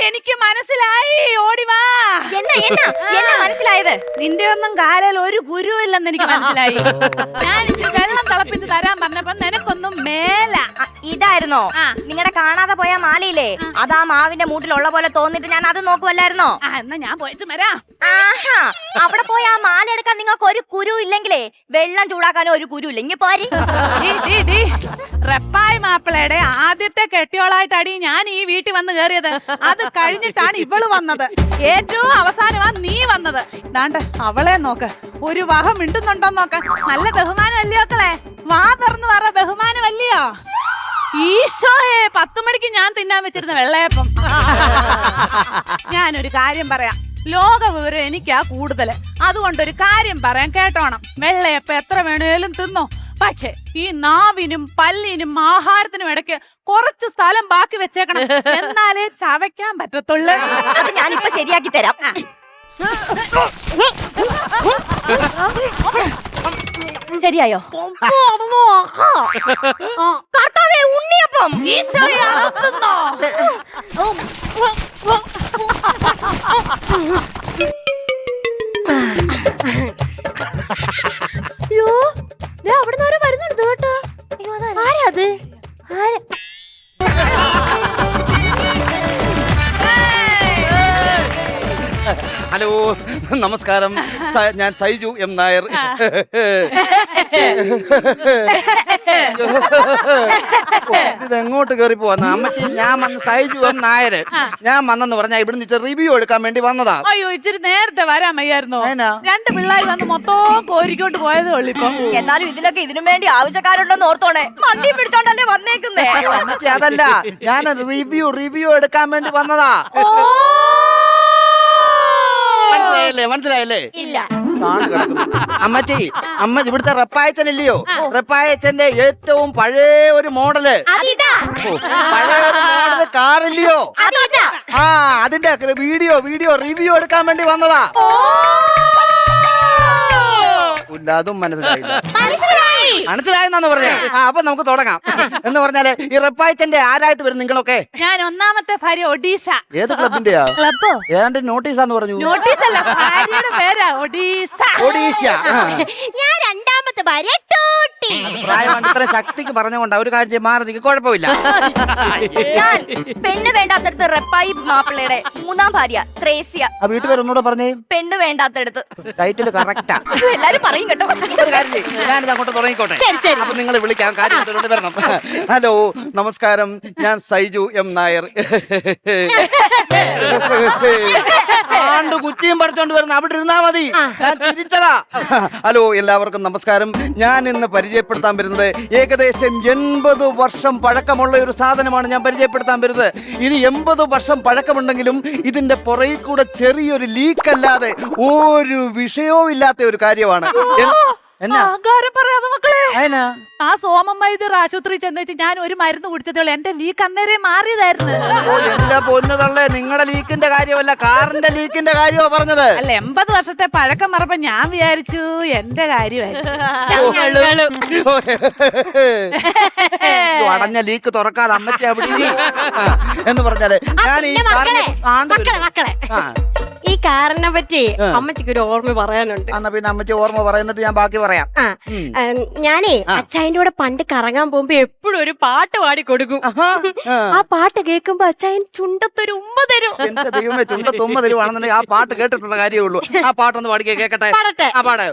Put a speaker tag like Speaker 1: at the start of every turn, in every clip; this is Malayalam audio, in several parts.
Speaker 1: എനിക്ക് മനസ്സിലായി. ഓടിവാ.
Speaker 2: എന്നാ മനസ്സിലായത്?
Speaker 1: നിന്റെ ഒന്നും കാലിൽ ഒരു ഗുരുവില്ലെന്ന് എനിക്ക് മനസ്സിലായി. ഞാൻ ഇച്ചിരി വെള്ളം തിളപ്പിച്ച് തരാൻ പറഞ്ഞപ്പോ നിനക്കൊന്നും മേല.
Speaker 2: ഇതായിരുന്നോ നിങ്ങളുടെ കാണാതെ പോയ മാലയില്ലേ? അതാ മാവിന്റെ മൂട്ടിലുള്ള പോലെ തോന്നിട്ട് ഞാൻ അത് നോക്കുമല്ലായിരുന്നോ?
Speaker 1: എന്നാ ഞാൻ പോയിച്ചു വരാം.
Speaker 2: ആഹാ, അവിടെ പോയി ആ മാല എടുക്കാൻ നിങ്ങൾക്ക് ഒരു കുരു ഇല്ലെങ്കിലേ വെള്ളം ചൂടാക്കാനും ഒരു കുരു ഇല്ലെങ്കിൽ പോരി.
Speaker 1: റെപ്പായി മാപ്പിളയുടെ ആദ്യത്തെ കെട്ടിയോളായിട്ടാടി ഞാൻ ഈ വീട്ടിൽ വന്ന് കയറിയത്. അത് കഴിഞ്ഞിട്ടാണ് ഇവള് വന്നത്. ഏറ്റവും അവസാനമാ നീ വന്നത്. ദാണ്ട് അവളെ നോക്ക്, ഒരു വഹ മിണ്ടുന്നുണ്ടോ നോക്ക. നല്ല ബഹുമാനം അല്ലയോ മക്കളെ? വാ തുറന്ന് പറ, ബഹുമാനം അല്ലയോ? ഈശോയെ, 10 മണിക്ക് ഞാൻ തിന്നാൻ വെച്ചിരുന്ന വെള്ളയപ്പം. ഞാനൊരു കാര്യം പറയാം, ലോക വിവരം എനിക്കാ കൂടുതല്. അതുകൊണ്ടൊരു കാര്യം പറയാൻ കേട്ടോണം. വെള്ളയപ്പം എത്ര വേണേലും തിന്നോ, പക്ഷെ ഈ നാവിനും പല്ലിനും ആഹാരത്തിനും ഇടയ്ക്ക് കുറച്ച് സ്ഥലം ബാക്കി വെച്ചേക്കണം. എന്നാലേ ചവയ്ക്കാൻ പറ്റത്തുള്ളൂ.
Speaker 2: അത് ഞാനിപ്പോ ശരിയാക്കി തരാം. ശരിയായോ? കർത്താവേ, ഉണ്ണിയപ്പം.
Speaker 1: ഈശോയെ, അകത്തുന്നോ?
Speaker 2: അയ്യോ, അവിടെ നിന്ന് വരുന്നുണ്ട് കേട്ടോ. ആരാ അത്?
Speaker 3: ഹലോ, നമസ്കാരം. ഞാൻ സൈജു എം നായർ. ഇതെങ്ങോട്ട് കയറി പോവാ അമ്മച്ചി? ഞാൻ വന്ന് സൈജു എം നായർ. ഞാൻ വന്നെന്ന് പറഞ്ഞാ ഇവിടുന്ന് റിവ്യൂ എടുക്കാൻ വേണ്ടി വന്നതാ.
Speaker 1: അയ്യോ, ഇച്ചിരി നേരത്തെ വരാൻ വയ്യായിരുന്നോ? 2 പിള്ളേർ വന്ന് മൊത്തം കോരിക്കൊണ്ട് പോയതേ ഉള്ളു. ഇപ്പൊ
Speaker 2: എന്നാലും ഇതിലൊക്കെ ഇതിനും വേണ്ടി ആവശ്യക്കാരുണ്ടെന്ന് ഓർത്തോണേ. വണ്ടി പിടിച്ചോണ്ടല്ലേ വന്നേക്കുന്നേ.
Speaker 3: അമ്മച്ചി, അതല്ല, ഞാൻ റിവ്യൂ എടുക്കാൻ വേണ്ടി വന്നതാ. മനസ്സിലായല്ലേ?
Speaker 2: ഇല്ല.
Speaker 3: അമ്മച്ചി, ഇവിടുത്തെ റെപ്പായച്ചനില്ലയോ? റെപ്പായച്ചന്റെ ഏറ്റവും പഴയ ഒരു മോഡല്, പഴയ ഒരു മോഡല് കാറില്ലയോ? അതിന്റെ വീഡിയോ റിവ്യൂ എടുക്കാൻ വേണ്ടി വന്നതാ. അതും മനസ്സിലായെന്നാന്ന് പറഞ്ഞേ. അപ്പൊ നമുക്ക് തുടങ്ങാം. എന്ന് പറഞ്ഞാല് ഈ റെപ്പായച്ചന്റെ ആരായിട്ട് വരും നിങ്ങളൊക്കെ?
Speaker 1: ഞാൻ ഒന്നാമത്തെ ഭാര്യ ഒഡീസ.
Speaker 3: ഏത് ക്ലബിന്റെയാ?
Speaker 1: ക്ലബോ?
Speaker 3: ഏതാണ്ട് നോട്ടീസാന്ന് പറഞ്ഞു.
Speaker 1: നോട്ടീസല്ല, ഭാര്യയുടെ പേരാ ഒഡീസ.
Speaker 3: ഒഡീസ.
Speaker 2: ഞാൻ രണ്ടാമത്തെ ഭാര്യ ടൂട്ടി.
Speaker 3: പ്രായമാണ്, ഇത്ര ശക്തിക്ക് പറഞ്ഞുകൊണ്ട് ഒരു കാര്യം മാറി നിൽക്ക്, കുഴപ്പമില്ല.
Speaker 2: ഞാൻ പെണ്ണ് വേണ്ടാത്തടുത്ത് റെപ്പായി മാപ്പിളയുടെ 3-ാം ഭാര്യ ത്രേസ്യ.
Speaker 3: ആ വീട്ടുപേര് ഒന്നുകൂടെ പറഞ്ഞേ.
Speaker 2: പെണ്ണ് വേണ്ടാത്തടുത്ത്.
Speaker 3: Title correct.
Speaker 2: എല്ലാരും പറയും കേട്ടോ.
Speaker 3: ഞാനിത് അങ്ങോട്ട് തുടങ്ങിക്കോട്ടെ. അപ്പൊ നിങ്ങൾ വിളിക്കാൻ കാര്യം വരണം. ഹലോ, നമസ്കാരം. ഞാൻ സൈജു എം നായർ. ആണ്ട് കുറ്റിയും പറിച്ചോണ്ട് വരുന്ന അവിടെ ഇരുന്നാ മതി, ഞാൻ തിരിച്ചതാ. ഹലോ, എല്ലാവർക്കും നമസ്കാരം. ഞാൻ ഇന്ന് പരിചയപ്പെടുത്താൻ വരുന്നത് ഏകദേശം 80 വർഷം പഴക്കമുള്ള ഒരു സാധനമാണ് ഞാൻ പരിചയപ്പെടുത്താൻ വരുന്നത്. ഇത് 80 വർഷം പഴക്കമുണ്ടെങ്കിലും ഇതിന്റെ പുറകിൽ കൂടെ ചെറിയൊരു ലീക്ക് അല്ലാതെ ഒരു വിഷയവും ഇല്ലാത്ത ഒരു കാര്യമാണ്.
Speaker 1: പറയാതെ മക്കളെ, ആ സോമൻ വൈദ്യർ ആശുപത്രി ചെന്നേച്ച് ഞാൻ ഒരു മരുന്ന് കുടിച്ചതേ ഉള്ളൂ. എന്റെ ലീക്ക് അന്നേരം മാറിയതായിരുന്നു.
Speaker 3: എന്റെ പൊന്നുതള്ളേ, നിങ്ങളുടെ ലീക്കിന്റെ കാര്യമല്ല, കാറിന്റെ ലീക്കിന്റെ കാര്യമാ പറഞ്ഞത്.
Speaker 1: അല്ല, 80 വർഷത്തെ പഴക്കം മറപ്പ ഞാൻ വിചാരിച്ചു എന്റെ കാര്യമായിരുന്നു.
Speaker 3: അടഞ്ഞ ലീക്ക് തുറക്കാതെ അമ്മച്ചി അവിടെ എന്ന് പറഞ്ഞാല് ഞാൻ
Speaker 4: ഈ കാറിനെ പറ്റി അമ്മച്ചിക്ക് ഒരു ഓർമ്മ പറയാനുണ്ട്.
Speaker 3: എന്നാ പിന്നെ അമ്മച്ചി ഓർമ്മ പറയുന്നിട്ട് ഞാൻ ബാക്കി പറയാം.
Speaker 4: ഞാനേ അച്ചായന്റെ കൂടെ പണ്ട് കറങ്ങാൻ പോകുമ്പോ എപ്പോഴും ഒരു പാട്ട് പാടി കൊടുക്കും. ആ പാട്ട് കേൾക്കുമ്പോ അച്ചായൻ ചുണ്ടത്തൊരു ഉമ്മ തരും.
Speaker 3: എന്റെ ദൈവമേ, ചുണ്ടത്തുമ്മ തരുവാണെന്നുണ്ടെങ്കിൽ ആ പാട്ട് കേട്ടിട്ടുള്ള കാര്യമേ ഉള്ളൂ. ആ പാട്ടൊന്ന് പാടിക്കേ, കേക്കട്ടെ. ആ പാട്.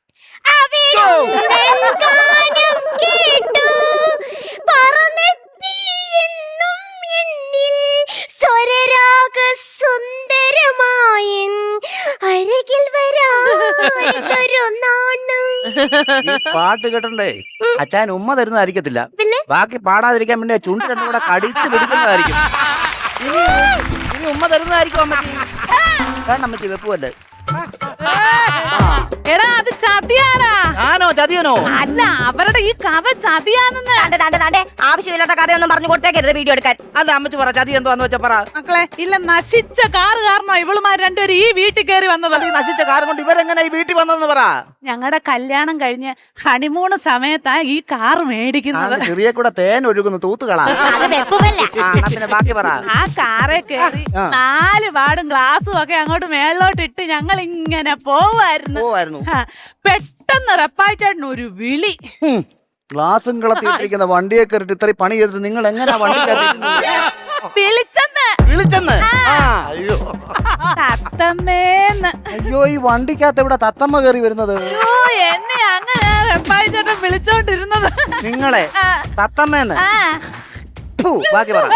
Speaker 3: പാട്ട് കേട്ടണ്ടേ അച്ചായൻ ഉമ്മ തരുന്നതായിരിക്കത്തില്ല, ബാക്കി പാടാതിരിക്കാൻ വേണ്ടി ചുണ്ട് രണ്ടും കൂടെ കടിച്ചു പിടിക്കുന്നതായിരിക്കും. ഇനി ഉമ്മ തരുന്നതായിരിക്കും അമ്മച്ചി. വേണ്ട അമ്മച്ചി, വെപ്പുവല്ലേ.
Speaker 1: എടാ, അത് ചതിയാടാ.
Speaker 3: ആനോ ചതിയനോ?
Speaker 1: അല്ല, അവരുടെ ഈ കഥ ചതിയാണെന്ന്.
Speaker 2: താണ്ടെ ആവശ്യമില്ലാത്ത കഥയൊന്നും പറഞ്ഞു കൊടുത്തേക്കരുത് വീഡിയോ എടുക്കാൻ.
Speaker 3: അല്ല അമ്മച്ചി പറ, ചതി എന്തുവാന്ന് വെച്ചാ പറ.
Speaker 1: മക്കളെ, ഇല്ല, നശിച്ച കാറ് കാരണോ ഇവളുമാർ രണ്ടുപേരും ഈ വീട്ടിൽ കയറി വന്നത്.
Speaker 3: ഈ നശിച്ച കാർ കൊണ്ട് ഇവരെങ്ങനെ ഈ വീട്ടിൽ വന്നെന്ന് പറ.
Speaker 1: ഞങ്ങളുടെ കല്യാണം കഴിഞ്ഞ് ഹണിമൂണ് സമയത്താ ഈ കാർ മേടിക്കുന്നത്.
Speaker 3: ചെറിയ കൂടെ തേൻ ഒഴുകുന്നു തൂത്തുകളാ.
Speaker 4: അത് വെപ്പുമല്ല.
Speaker 3: പിന്നെ ബാക്കി പറ.
Speaker 1: ആ കാറെ കയറി 4 പാടും ഗ്ലാസും ഒക്കെ അങ്ങോട്ട് മേളിലോട്ട് ഇട്ട് ഞങ്ങൾ ഇങ്ങനെ പോവായിരുന്നു. പെട്ടെന്ന് റപ്പായിച്ചേട്ടന് ഒരു വിളി.
Speaker 3: ഗ്ലാസും കളത്തിട്ടിരിക്കുന്ന വണ്ടിയെ കയറിട്ട് ഇത്രയും പണി ചെയ്തിട്ട് നിങ്ങൾ എങ്ങനെയാ വണ്ടി വിളിച്ചെന്ന്? അയ്യോ
Speaker 1: തത്തമ്മേന്ന്.
Speaker 3: അയ്യോ, ഈ വണ്ടിക്കകത്ത് എവിടെ തത്തമ്മ കയറി വരുന്നത്?
Speaker 1: എന്നെ അങ്ങനെ റപ്പായിച്ചേട്ടൻ വിളിച്ചോണ്ടിരുന്നത്.
Speaker 3: നിങ്ങളെ തത്തമ്മേന്ന്? ബാക്കി പറ.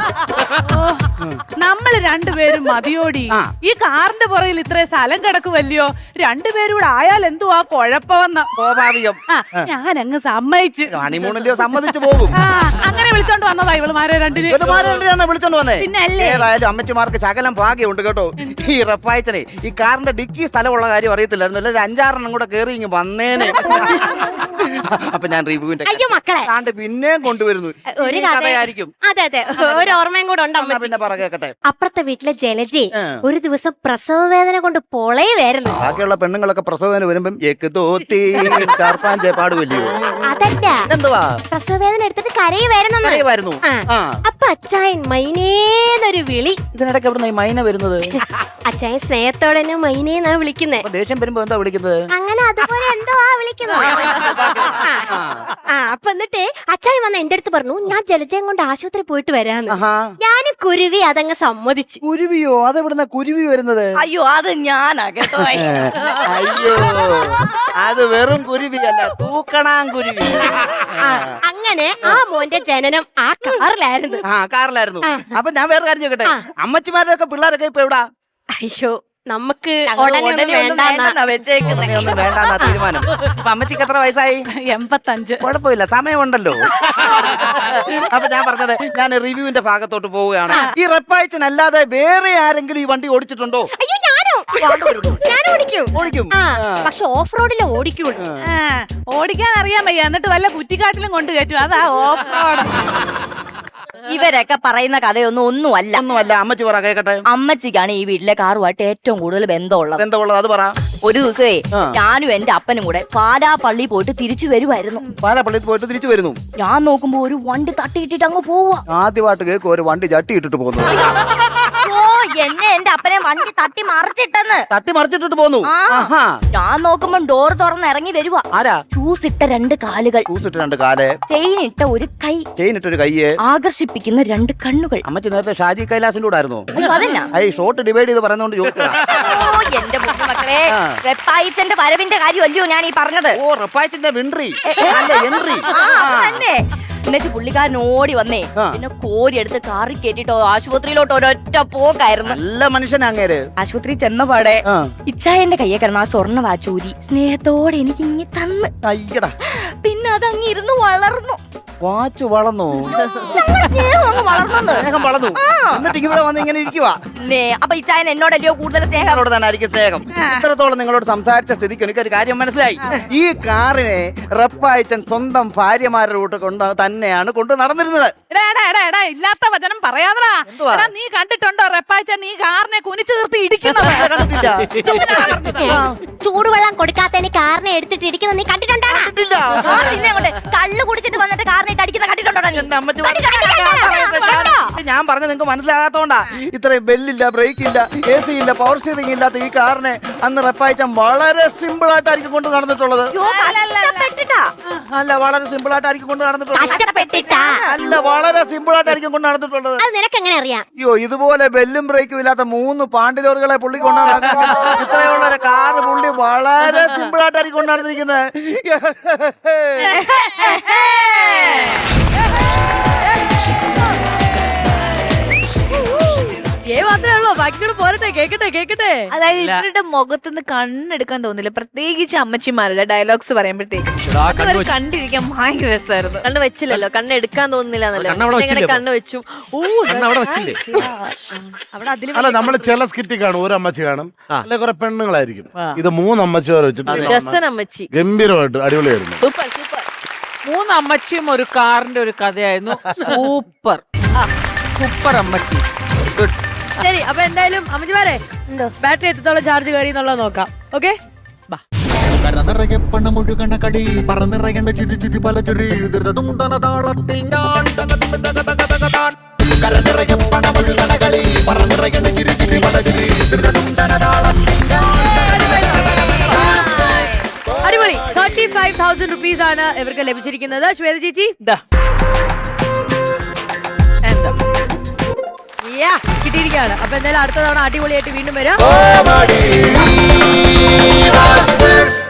Speaker 1: നമ്മള് രണ്ടുപേരും മതിയോടി. ഈ കാറിന്റെ പുറകിൽ ഇത്രയും സ്ഥലം കിടക്കുമല്ലയോ, രണ്ടുപേരും ആയാൽ എന്തുവാ കുഴപ്പമെന്ന്.
Speaker 3: സ്വാഭാവികം.
Speaker 1: ഞാൻ അങ്ങ് സമ്മതിച്ചു.
Speaker 3: ഹണിമൂണല്ലയോ, സമ്മതിച്ചു പോകും.
Speaker 1: അങ്ങനെ വിളിച്ചോണ്ട് വന്നതാ ഇവളുമാരെ രണ്ടിനെ
Speaker 3: വിളിച്ചോണ്ട് വന്നേ.
Speaker 1: പിന്നല്ലേ.
Speaker 3: ഏതായാലും അമ്മച്ചിമാർക്ക് ശകലം ഭാഗ്യമുണ്ട് കേട്ടോ. ഈ റപ്പായച്ചനെ ഈ കാറിന്റെ ഡിക്കി സ്ഥലമുള്ള കാര്യം അറിയത്തില്ലായിരുന്നു. അല്ലെ 5-6 കൂടെ കയറി ഇങ്ങ് വന്നേനെ. അപ്പൊ ഞാൻ റിവ്യൂവിന്റെ
Speaker 4: അയ്യോ മക്കളെ,
Speaker 3: കാണ്ട് പിന്നെയും കൊണ്ടുവരുന്നു.
Speaker 4: ഒരു
Speaker 3: കഥയായിരിക്കും.
Speaker 4: അതെ ഒരു ഓർമ്മയും കൂടെ ഉണ്ട്.
Speaker 3: പിന്നെ പറ കേക്കട്ടെ.
Speaker 4: അപ്പുറത്തെ വീട്ടിലെ ജലജി ഒരു ദിവസം പ്രസവ വേദന കൊണ്ട് പൊളയുമായിരുന്നു.
Speaker 3: ബാക്കിയുള്ള പെണ്ണുങ്ങളൊക്കെ പ്രസവവേദന വരുമ്പം പാടുവല്ലോ.
Speaker 4: അതല്ല,
Speaker 3: എന്തുവാ
Speaker 4: പ്രസവ വേദന എടുത്തിട്ട് കരയുമായിരുന്നു. അപ്പൊ അച്ചായൻ മൈനേന്നൊരു വിളി.
Speaker 3: ഇതിനിടയ്ക്ക് എവിടെ ഈ മൈന വരുന്നത്?
Speaker 4: അച്ചായൻ സ്നേഹത്തോടെ തന്നെ മൈനേന്നാ വിളിക്കുന്നേ.
Speaker 3: ദേഷ്യം വരുമ്പോ എന്താ വിളിക്കുന്നത്?
Speaker 4: അങ്ങനെ അതുപോലെ എന്തോ വിളിക്കുന്നത്. അപ്പൊ എന്നിട്ട് അച്ചായൻ വന്ന് എന്റെ അടുത്ത് പറഞ്ഞു, ഞാൻ ജലജയം കൊണ്ട് ആശുപത്രി പോയിട്ട് വരാന്ന്. ഞാൻ കുരുവി അതങ്ങ് സമ്മതിച്ചു.
Speaker 3: കുരുവിയോ? അതെവിടുന്ന കുരുവി വരുന്നത്?
Speaker 2: അയ്യോ, അത് ഞാനാ കേട്ടോ.
Speaker 3: അയ്യോ, അത് വെറും കുരുവിയല്ല, തൂക്കണാൻ കുരുവി.
Speaker 4: അങ്ങനെ ആ മോന്റെ ജനനം ആ കാറിലായിരുന്നു.
Speaker 3: കാറിലായിരുന്നു. അപ്പൊ ഞാൻ വേറെ കാര്യം ചോദിക്കട്ടെ, അമ്മച്ചിമാരൊക്കെ പിള്ളേരൊക്കെ ഇപ്പൊ എവിടാ?
Speaker 4: അയ്യോ, നമുക്ക്
Speaker 2: ഒന്നും വേണ്ടാന്നാ
Speaker 3: തീരുമാനം. അപ്പൊ അമ്മച്ചിക്ക് എത്ര വയസ്സായി?
Speaker 1: 85.
Speaker 3: കുഴപ്പമില്ല, സമയമുണ്ടല്ലോ. അപ്പൊ ഞാൻ പറഞ്ഞത്, ഞാൻ റിവ്യൂവിന്റെ ഭാഗത്തോട്ട് പോവുകയാണ്. ഈ റപ്പായച്ചനല്ലാതെ വേറെ ആരെങ്കിലും ഈ വണ്ടി ഓടിച്ചിട്ടുണ്ടോ?
Speaker 4: അയ്യോ, ഞാൻ ഓടിക്കും. പക്ഷെ ഓഫ് റോഡിലെ ഓടിക്കുള്ളൂ.
Speaker 1: ഓടിക്കാൻ അറിയാൻ വയ്യ, എന്നിട്ട് വല്ല കുറ്റിക്കാട്ടിലും കൊണ്ട് കയറ്റും. അതാ ഓഫ് റോഡ്.
Speaker 2: ഇവരൊക്കെ പറയുന്ന ഒന്നുമല്ല.
Speaker 3: അമ്മച്ചി പറ കേക്കട്ടെ.
Speaker 2: അമ്മച്ചിക്കാണ് ഈ വീട്ടിലെ കാറുമായിട്ട് ഏറ്റവും കൂടുതൽ ബന്ധമുള്ളത്.
Speaker 3: അത് പറ.
Speaker 2: ഒരു ദിവസമേ ഞാനും എന്റെ അപ്പനും കൂടെ പാലാപ്പള്ളി പോയിട്ട് തിരിച്ചു വരുമായിരുന്നു.
Speaker 3: പാലാപ്പള്ളിയിൽ പോയിട്ട് തിരിച്ചു വരുന്നു.
Speaker 2: ഞാൻ നോക്കുമ്പോ ഒരു വണ്ടി തട്ടിയിട്ടിട്ട് അങ്ങ് പോവാ.
Speaker 3: ആദ്യമായിട്ട് കേൾക്കും ഒരു വണ്ടി ചട്ടിയിട്ടിട്ട് പോകുന്നു.
Speaker 2: എന്നെ എന്റെ അപ്പനെ വണ്ടി തട്ടി
Speaker 3: മറിച്ചിട്ടിട്ട് പോന്നു.
Speaker 2: ഞാൻ നോക്കുമ്പോ ഡോർ തുറന്ന് ഇറങ്ങി വരുവാ.
Speaker 3: ആരാ?
Speaker 2: ഷൂസ് ഇട്ട 2 കാലുകൾ, ചെയിൻ ഇട്ട ഒരു കൈ, ആകർഷിപ്പിക്കുന്ന 2 കണ്ണുകൾ.
Speaker 3: അമ്മച്ചി നേരത്തെ ഷാജി കൈലാസിന്റെ കൂടെ ആയിരുന്നു. ഷോട്ട് ഡിവൈഡ് ചെയ്ത് പറയുന്നോണ്ട് ചോദിച്ചതാ.
Speaker 2: എന്റെ മക്കളെ, റെപ്പായിച്ചന്റെ വരവിന്റെ കാര്യമല്ലയോ ഞാൻ ഈ പറഞ്ഞത്.
Speaker 3: റെപ്പായിച്ചന്റെ എൻട്രി.
Speaker 2: എന്നിട്ട് പുള്ളിക്കാരൻ ഓടി വന്നേ, പിന്നെ കോരി എടുത്ത് കാറി കേട്ടിട്ടോ ആശുപത്രിയിലോട്ട് ഒരൊറ്റ പോക്കായിരുന്നു.
Speaker 3: നല്ല മനുഷ്യനാ അങ്ങേര്.
Speaker 2: ആശുപത്രി ചെന്നപാടെ ഇച്ചായന്റെ കയ്യെ കിടന്ന ആ സ്വർണ്ണ വാച്ചൂരി സ്നേഹത്തോടെ എനിക്ക് ഇങ്ങി തന്ന്.
Speaker 3: അയ്യടാ.
Speaker 2: പിന്നെ അതങ്ങ് ഇരുന്ന് വളർന്നു.
Speaker 3: വാച്ച് വളർന്നു.
Speaker 2: സ്നേഹം
Speaker 3: വളർന്നു. എന്നിട്ട് ഇവിടെ വന്ന് ഇങ്ങനെ ഇരിക്കുവാ.
Speaker 2: അപ്പൊ ഇച്ചായൻ എന്നോടല്ലയോ കൂടുതൽ സ്നേഹം?
Speaker 3: തന്നെയായിരിക്കും സ്നേഹം. ഇത്രത്തോളം നിങ്ങളോട് സംസാരിച്ച സ്ഥിതിക്ക് എനിക്കൊരു കാര്യം മനസ്സിലായി. ഈ കാറിനെ റപ്പായച്ചൻ സ്വന്തം ഭാര്യമാരുടെ കൂട്ട് തന്നെയാണ് കൊണ്ട് നടന്നിരുന്നത്.
Speaker 1: ഇല്ലാത്ത വചനം പറയാതടാ. നീ കണ്ടിട്ടുണ്ടോ റെപ്പായച്ചൻ ഈ കാറിനെ കുനിച്ചു നിർത്തി ഇടിക്കുന്നത്?
Speaker 4: ചൂടുവെള്ളം കൊടുക്കാത്തതിന് കാറിനെ എടുത്തിട്ട് ഇടിക്കുന്നത് നീ കണ്ടിട്ടുണ്ടോ?
Speaker 2: കള്ളു കുടിച്ചിട്ട് വന്നിട്ട് കാറിനെ അടിക്കുന്ന കണ്ടിട്ടുണ്ടോ?
Speaker 3: ഞാൻ പറഞ്ഞ നിങ്ങൾക്ക് മനസ്സിലാകാത്തോണ്ടാ. ഇത്രയും ബെല്ലില്ല, ബ്രേക്ക് ഇല്ല, AC ഇല്ല, പവർ സ്റ്റിയറിംഗ് ഇല്ലാത്ത ഈ കാറിനെ അന്ന് റെപ്പായച്ചൻ വളരെ സിമ്പിൾ ആയിട്ടായിരിക്കും കൊണ്ട് നടന്നിട്ടുള്ളത്. അല്ല, വളരെ സിമ്പിൾ ആയിട്ടായിരിക്കും കൊണ്ട് നടന്നിട്ടുള്ളത്. അല്ല, വളരെ സിമ്പിൾ ആയിട്ടായിരിക്കും കൊണ്ട് നടന്നിട്ടുള്ളത്.
Speaker 4: നിനക്ക് എങ്ങനെ അറിയാം?
Speaker 3: അയ്യോ, ഇതുപോലെ ബെല്ലും ബ്രേക്കും ഇല്ലാത്ത 3 പാണ്ടിലോറുകളെ പുള്ളി കൊണ്ടാണ് ഇത്രയുള്ള ഒരു കാറ് പുള്ളി വളരെ സിമ്പിൾ ആയിട്ടായിരിക്കും കൊണ്ട് നടന്നിരിക്കുന്നത്.
Speaker 4: ഇത്രേ ഉള്ളൂ, ബാക്കിയോട് പോരട്ടെ, കേക്കട്ടെ.
Speaker 2: അതായത് ഇവരുടെ മുഖത്തുനിന്ന് കണ്ണെടുക്കാൻ തോന്നില്ല, പ്രത്യേകിച്ച് അമ്മച്ചിമാരുടെ ഡയലോഗ്സ് പറയുമ്പോഴത്തേക്ക് കണ്ടിരിക്കാൻ ഭയങ്കര രസമായിരുന്നു.
Speaker 4: കണ്ണ് വെച്ചില്ലല്ലോ, കണ്ണ് എടുക്കാൻ തോന്നുന്നില്ല കണ്ണ് വെച്ചു. അവിടെ അതിൽ
Speaker 5: അല്ല, നമ്മള് ചില സ്കിറ്റ് കാണും, ഒരു അമ്മച്ചി കാണും, അല്ലെ കുറെ പെണ്ണുങ്ങളായിരിക്കും. ഇത് 3 അമ്മച്ചിമാരെ വെച്ചിട്ട്
Speaker 4: രസനമ്മച്ചി
Speaker 5: ഗംഭീരമായിട്ട് അടിപൊളിയായിരുന്നു.
Speaker 2: Super super.
Speaker 6: 3 അമ്മച്ചിയും ഒരു കാറിന്റെ ഒരു കഥയായിരുന്നു. സൂപ്പർ സൂപ്പർ അമ്മച്ചി. ഗുഡ്.
Speaker 4: ശരി, അപ്പൊ എന്തായാലും അമ്മച്ചിമാരെ ബാറ്ററി എത്രത്തോളം ചാർജ് കയറി എന്നുള്ളത് നോക്കാം. ഓക്കെ,
Speaker 7: കരനിറയെ പണമൊഴുകണ കളി പറന്നിറയേണ്ട ചിരി ചിരി പല ചിരി താളത്തിൽ ഞാൻ കരനിറയെ പണമൊഴുകണ കളി പറന്നിറയേണ്ട ചിരി ചിരി പല ചിരി
Speaker 4: അടിപൊളി. 35,000 rupees ആണ് ഇവർക്ക് ലഭിച്ചിരിക്കുന്നത്. ശ്വേത ചേച്ചി കിട്ടിയിരിക്കുകയാണ്. അപ്പൊ എന്തായാലും അടുത്ത തവണ അടിപൊളിയായിട്ട് വീണ്ടും വരാം.